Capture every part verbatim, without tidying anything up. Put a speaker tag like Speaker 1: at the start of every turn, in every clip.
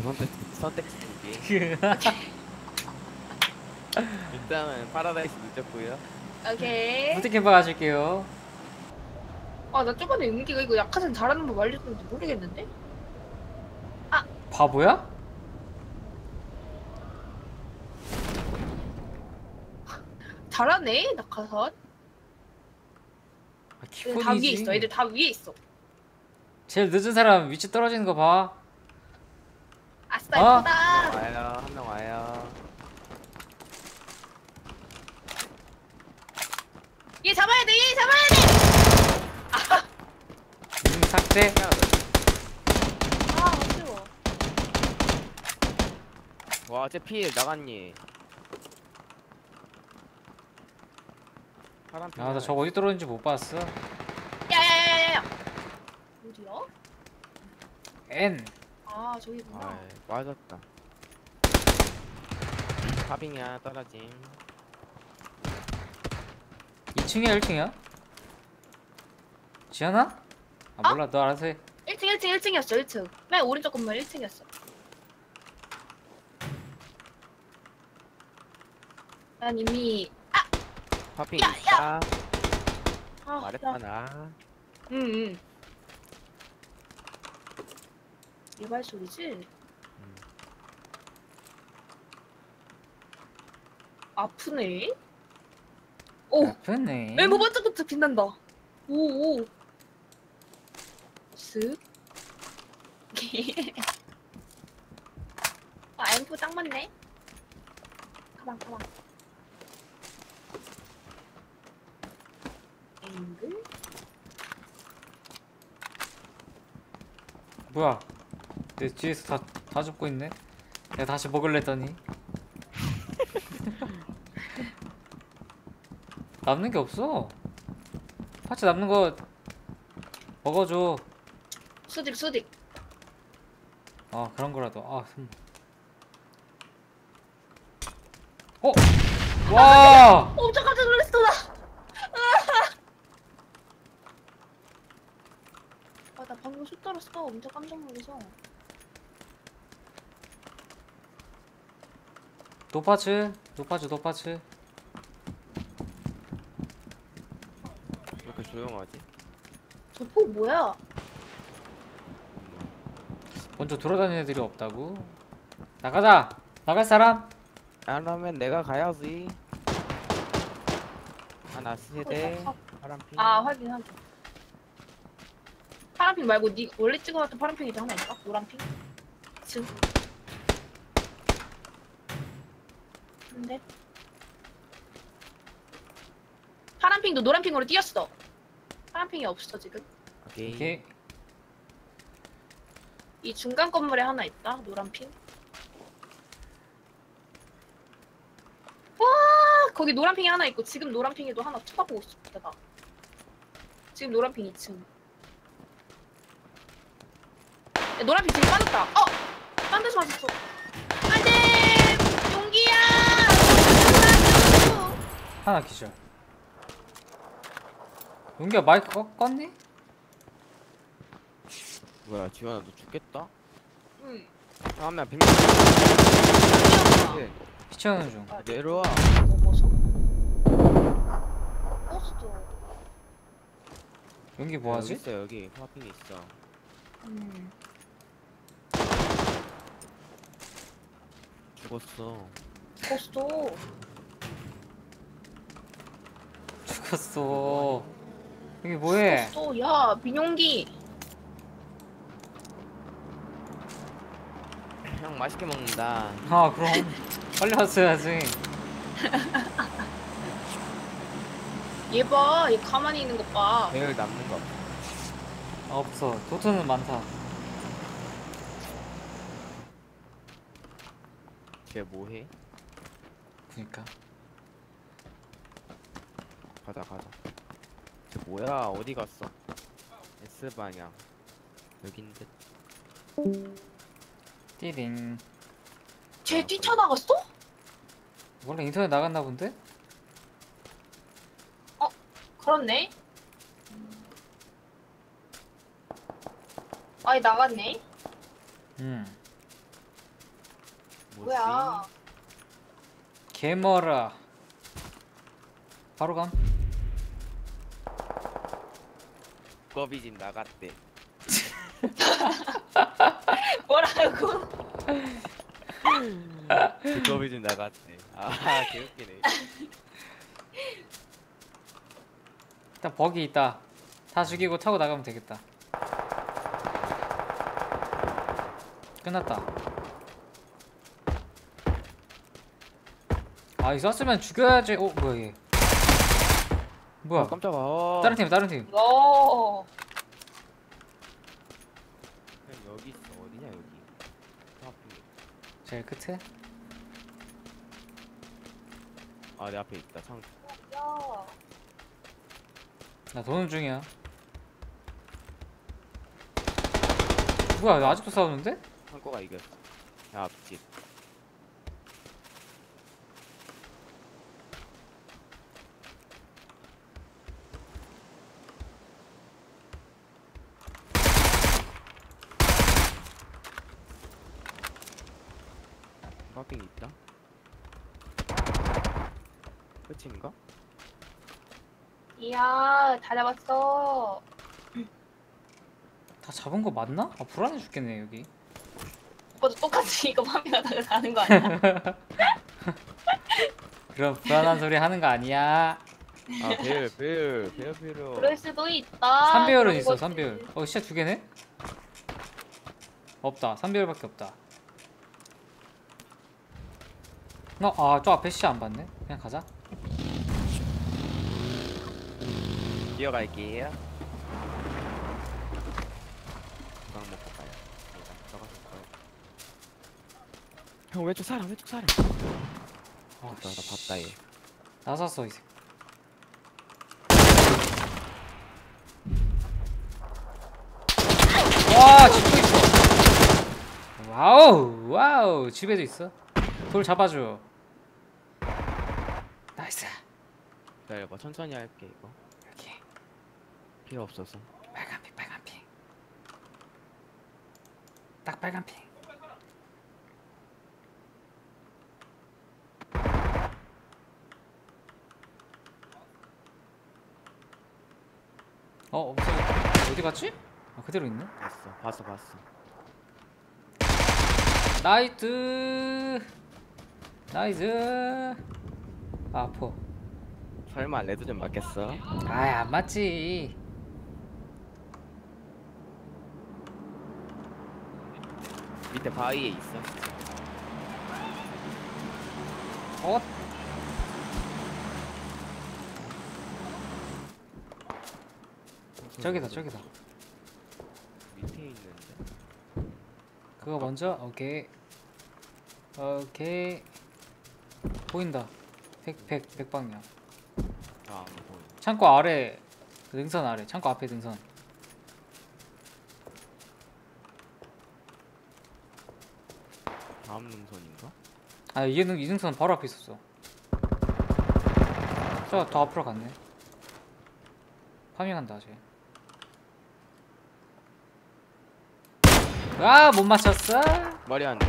Speaker 1: 선택 선택지 두 개. 일단은 파라다이스 늦었고요.
Speaker 2: 오케이.
Speaker 3: 부트캠프 가실게요.
Speaker 2: 아, 나 저번에 은기가 이거 약화산 잘하는 법 알려줬는지 모르겠는데?
Speaker 3: 바보야?
Speaker 2: 잘하네, 낙하산.
Speaker 3: 아,
Speaker 2: 애들 다 위에
Speaker 3: 기본이지.
Speaker 2: 있어. 애들 다 위에 있어.
Speaker 3: 제일 늦은 사람 위치 떨어지는 거 봐.
Speaker 2: 아싸,
Speaker 3: 어?
Speaker 2: 예쁘다.
Speaker 1: 와요, 한 명 와요.
Speaker 2: 얘 잡아야 돼, 얘 잡아야 돼!
Speaker 3: 음, 삭제.
Speaker 2: 아, 아쉬워.
Speaker 1: 와, 쟤필 나갔니? 파란 피.
Speaker 3: 아, 나 저거 어디 떨어졌는지 못 봤어.
Speaker 2: 야야야야야. 어디야?
Speaker 3: N.
Speaker 2: 아, 저기구나.
Speaker 1: 아, 맞았다. 파빙이야, 떨어짐.
Speaker 3: 이 층이야, 일 층이야? 지현아? 아, 몰라. 너 알아서 해.
Speaker 2: 일 층, 일 층, 일 층이었어, 일 층. 맨 오른쪽 건물 일 층이었어. 난 이미,
Speaker 1: 파빙
Speaker 2: 야,
Speaker 1: 있다.
Speaker 2: 아,
Speaker 1: 말했잖아.
Speaker 2: 응, 응. 이발 소리지?
Speaker 1: 음.
Speaker 2: 아프네? 오!
Speaker 3: 아프네.
Speaker 2: 엠버 반짝반짝 빛난다. 오, 오. 쓱. 아, 엠프 딱 맞네. 가방, 가방. 앵글?
Speaker 3: 뭐야? 내 뒤에서 다, 다 죽고 있네? 내가 다시 먹을래 했더니 남는 게 없어. 파츠 남는 거 먹어줘.
Speaker 2: 수직, 수직.
Speaker 3: 아, 그런 거라도. 아, 손. 어? 와!
Speaker 2: 엄청 깜짝 놀랐어, 나. 아, 나 방금 슛 떨었어. 엄청 깜짝 놀라서.
Speaker 3: 노파츠, 노파츠, 노파츠.
Speaker 1: 왜 이렇게 조용하지?
Speaker 2: 저 폭 뭐야?
Speaker 3: 먼저 돌아다니는 애들이 없다고? 나가자! 나갈 사람?
Speaker 1: 그러면 내가 가야지. 하나 세대. 파란 피.
Speaker 2: 아, 확인, 확인. 파란핑 말고 니 원래 찍어놨던 파란핑이 또 하나 있다? 노란핑? 지금. 근데 파란핑도 노란핑으로 뛰었어. 파란핑이 없어 지금.
Speaker 1: 오케이.
Speaker 3: 오케이.
Speaker 2: 이 중간 건물에 하나 있다. 노란핑. 와, 거기 노란핑이 하나 있고 지금 노란핑에도 하나 쳐다보고 있어. 내가. 지금 노란핑 이 층. 야, 노란핑 지금 빠졌다. 어! 딴 데서 맞았어. 안돼! 용기야! 놀아줘!
Speaker 3: 하나 기절. 용기야 마이크 꺼, 껐니?
Speaker 1: 뭐야, 지원아 너 죽겠다?
Speaker 2: 응.
Speaker 1: 다음에 백 명.
Speaker 2: 뛰어봐.
Speaker 3: 피치하는 중.
Speaker 2: 아,
Speaker 1: 내려와.
Speaker 2: 먹어서? 버스도.
Speaker 3: 용기
Speaker 1: 여기
Speaker 3: 뭐하지?
Speaker 1: 있어, 여기 파핑이 있어.
Speaker 2: 음.
Speaker 1: 죽었어.
Speaker 2: 버스도.
Speaker 3: 죽었어. 여기 뭐해?
Speaker 2: 버스도. 야, 민용기.
Speaker 1: 형 맛있게 먹는다.
Speaker 3: 아, 그럼 빨리 왔어야지.
Speaker 2: 얘 봐. 얘 가만히 있는 것 봐.
Speaker 1: 내일 남는 거.
Speaker 3: 아, 없어. 도트는 많다.
Speaker 1: 쟤 뭐해?
Speaker 3: 그니까.
Speaker 1: 가자 가자. 쟤 뭐야? 어디 갔어? S 방향. 여긴 듯.
Speaker 3: 띠링.
Speaker 2: 쟤 뛰쳐나갔어?
Speaker 3: 원래 인터넷 나갔나 본데?
Speaker 2: 그렇네. 아니, 나갔네.
Speaker 3: 음.
Speaker 2: 뭐야?
Speaker 3: 개머라. 바로 감.
Speaker 1: 두꺼비 집 나갔대.
Speaker 2: 뭐라고?
Speaker 1: 두꺼비 집 나갔대. 아 개웃기네.
Speaker 3: 일단 버기 있다. 다 죽이고 타고 나가면 되겠다. 끝났다. 아 이거 쐈으면 죽여야지. 어 뭐야 얘. 뭐야.
Speaker 1: 어, 깜짝아. 어.
Speaker 3: 다른 팀 다른 팀.
Speaker 2: 너
Speaker 1: 그냥 여기 있어. 어디냐 여기. 저 앞에.
Speaker 3: 제일 끝에.
Speaker 1: 아 내 앞에 있다. 창.
Speaker 2: 야.
Speaker 3: 나 도는 중이야. 뭐야 나 아직도 싸우는데?
Speaker 1: 창고가 이겼어. 야 앞집. 파핑 있다. 끝인가?
Speaker 2: 이야, 다 잡았어.
Speaker 3: 다 잡은 거 맞나? 아 불안해 죽겠네 여기.
Speaker 2: 오빠도 똑같이 이거 파밍하다가 가는 거 아니야?
Speaker 3: 그럼 불안한 소리 하는 거 아니야.
Speaker 1: 아 배율 배율 배율 배율.
Speaker 2: 그럴 수도 있다.
Speaker 3: 삼 배율은
Speaker 2: 그런
Speaker 3: 있어
Speaker 2: 거지.
Speaker 3: 삼 배율. 어 진짜 두 개네? 없다 삼 배율밖에 없다. 어? 아저 앞에 씨 안 봤네? 그냥 가자.
Speaker 1: 뛰어갈게요. 건강 먹고 가요. 일단 들어가서 가요. 형 왼쪽 사람 왼쪽 사람.
Speaker 3: 아,
Speaker 1: 맞다 나
Speaker 3: 씨.
Speaker 1: 봤다 얘.
Speaker 3: 나 샀어 이제. 와 집도 있어. 와우 와우 집에도 있어. 돌 잡아줘. 나이스.
Speaker 1: 기다려봐 천천히 할게 이거.
Speaker 3: 여기
Speaker 1: 필요 없어서.
Speaker 3: 빨간 핑 빨간 핑. 딱 빨간 핑. 어 없어졌다. 어디 갔지? 아 그대로 있네.
Speaker 1: 봤어 봤어 봤어.
Speaker 3: 나이스 나이스. 아, 아파.
Speaker 1: 설마 레드 좀 맞겠어?
Speaker 3: 아이 안 맞지.
Speaker 1: 밑에 바위에 있어.
Speaker 3: 어? 저기다 저기다.
Speaker 1: 밑에 있는데.
Speaker 3: 그거 먼저. 오케이 오케이. 보인다. 백백 백방향.
Speaker 1: 아안 보여.
Speaker 3: 창고 아래. 그 능선 아래. 창고 앞에 능선.
Speaker 1: 다음 능선인가?
Speaker 3: 아 이 능, 이 능선 바로 앞에 있었어. 저 더 앞으로 갔네. 파밍한다 쟤. 아 못 맞췄어.
Speaker 1: 말이 안 돼.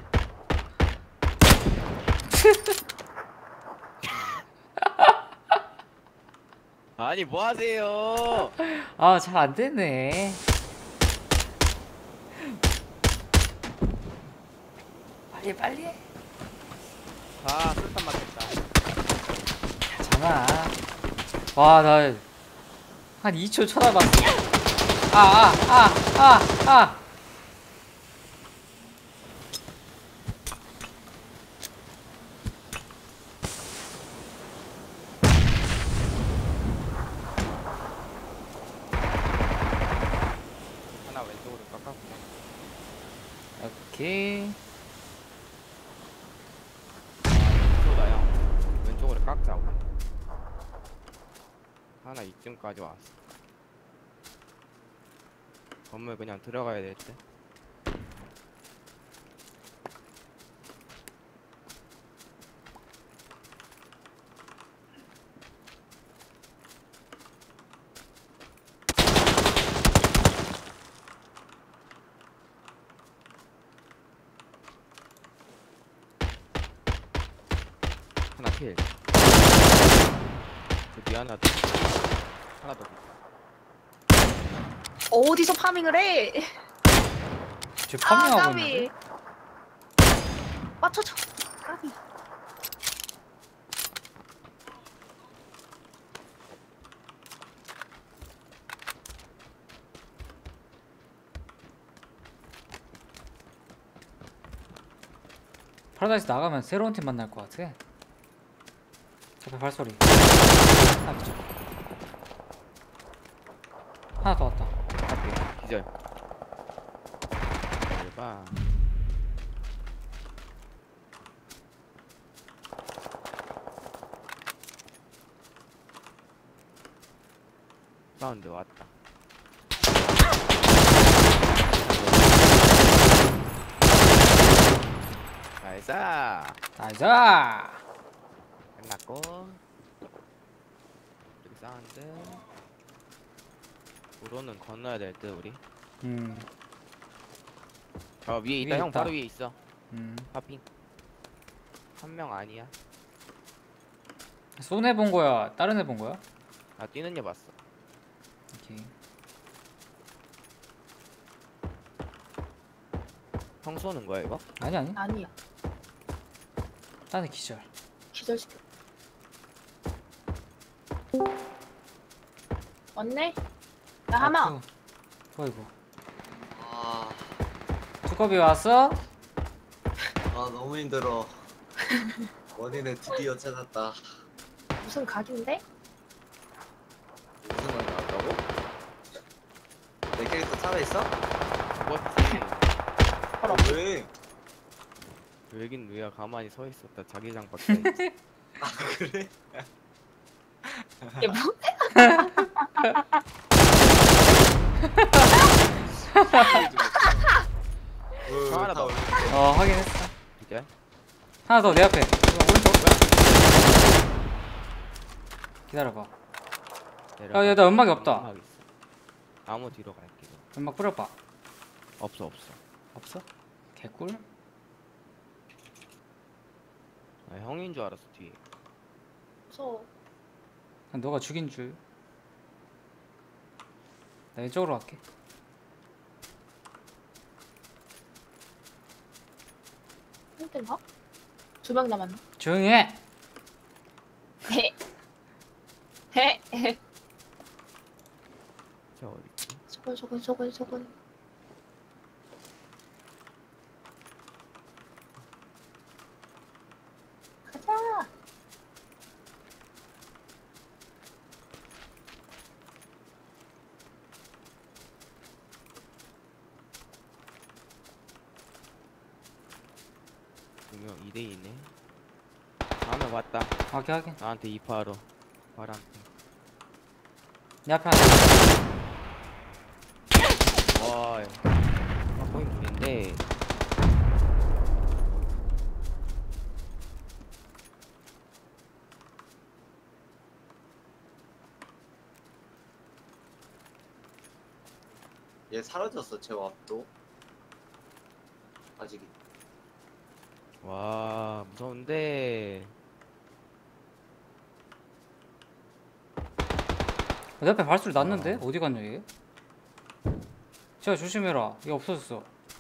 Speaker 1: 아니 뭐 하세요?
Speaker 3: 아 잘 안 되네. 빨리 빨리.
Speaker 1: 아 술탄 맞겠다.
Speaker 3: 괜찮아. 와 나 한 이 초 쳐다봤어. 아 아 아 아 아.
Speaker 1: 하나 왼쪽으로 깎았고.
Speaker 3: 오케이.
Speaker 1: 쏘다 형. 왼쪽으로 깎자고. 하나 이쯤까지 왔어. 건물 그냥 들어가야 될 때. 하나 킬. 저기 하나 더. 하나 더.
Speaker 2: 어디서 파밍을 해?
Speaker 3: 쟤
Speaker 2: 아,
Speaker 3: 파밍하고
Speaker 2: 까비.
Speaker 3: 있는데?
Speaker 2: 맞춰줘. 까비.
Speaker 3: 파라다이스 나가면 새로운 팀 만날 것 같아. 앞에 발소리. 아, 미쳐. 하나 더 왔다.
Speaker 1: 앞에 기절. 대박. 사운드 왔다. 나이스.
Speaker 3: 나이스!
Speaker 1: 끝났고. 여기 사운드. 우로는 건너야 될 듯 우리.
Speaker 3: 음,
Speaker 1: 어 위에 있다.
Speaker 3: 위에
Speaker 1: 형
Speaker 3: 있다.
Speaker 1: 바로 위에 있어.
Speaker 3: 음.
Speaker 1: 파핑. 한 명 아니야.
Speaker 3: 쏜 애 본 거야? 다른 애 본 거야?
Speaker 1: 나 뛰는 애 봤어.
Speaker 3: 오케이.
Speaker 1: 형 쏘는 거야 이거?
Speaker 3: 아니, 아니.
Speaker 2: 아니야.
Speaker 3: 다른 애 기절.
Speaker 2: 기절시켜. 왔네? 나 하나.
Speaker 3: 아, 투. 어이구.
Speaker 4: 아,
Speaker 3: 두꺼비 왔어?
Speaker 4: 아 너무 힘들어. 원인을 드디어 찾았다.
Speaker 2: 무슨 각인데?
Speaker 4: 무슨 말 나왔다고? 내 캐릭터 살아있어?
Speaker 1: 죽었지.
Speaker 2: 바로.
Speaker 4: 왜?
Speaker 1: 여긴 왜야 가만히 서 있었다. 자기장 밖에 있지.
Speaker 4: 아 그래?
Speaker 2: 이게 뭐?
Speaker 4: 어,
Speaker 1: 하나 더.
Speaker 3: 어, 확인했어.
Speaker 1: 기절.
Speaker 3: 하나 더 내 앞에. 오른쪽. 기다려봐.
Speaker 1: 내려가.
Speaker 3: 야, 야, 나 연막이 없다.
Speaker 1: 연막 있어. 나무 뒤로 갈게. 그럼.
Speaker 3: 연막 뿌려봐.
Speaker 1: 없어 없어.
Speaker 3: 없어? 개꿀?
Speaker 1: 아, 형인 줄 알았어 뒤에.
Speaker 2: 무서워.
Speaker 3: 난 너가 죽인 줄. 나 이쪽으로 갈게.
Speaker 2: 힘든가? 두 명 남았나?
Speaker 3: 조용히 해!
Speaker 2: 헤. 헤. 헤.
Speaker 1: 저 어디 있지?
Speaker 2: 저건 저건 저건 저건. 가자.
Speaker 1: 두명 이 대 이네. 다음에 왔다.
Speaker 3: 확인, 확인.
Speaker 1: 나한테 이파로. 바람.
Speaker 3: 내 앞에 하나.
Speaker 1: 와. 아, 거의 물인데.
Speaker 4: 얘 사라졌어 제 왑도. 아직.
Speaker 1: 와 무서운데.
Speaker 3: 내 앞에 발소리 났는데? 어디 갔냐 얘? 제가 조심해라. 얘 없어졌어.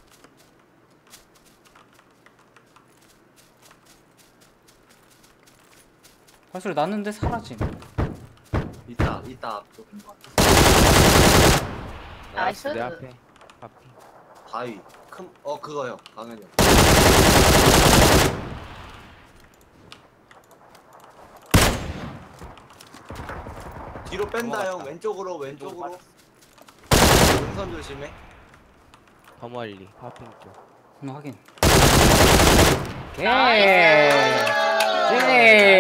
Speaker 3: 발소리 났는데 사라짐.
Speaker 4: 있다 있다 앞쪽.
Speaker 2: 나이스.
Speaker 1: 내 앞에. 앞에.
Speaker 4: 바위. 큰 어 그거요. 강현이 형. 뒤로 뺀다 형.
Speaker 1: 넘어갔다.
Speaker 4: 왼쪽으로 왼쪽으로. 능선 조심해.
Speaker 1: 더 멀리. 파핑 쪽.
Speaker 3: 음, 확인.
Speaker 2: 나이스.
Speaker 3: 예. 예.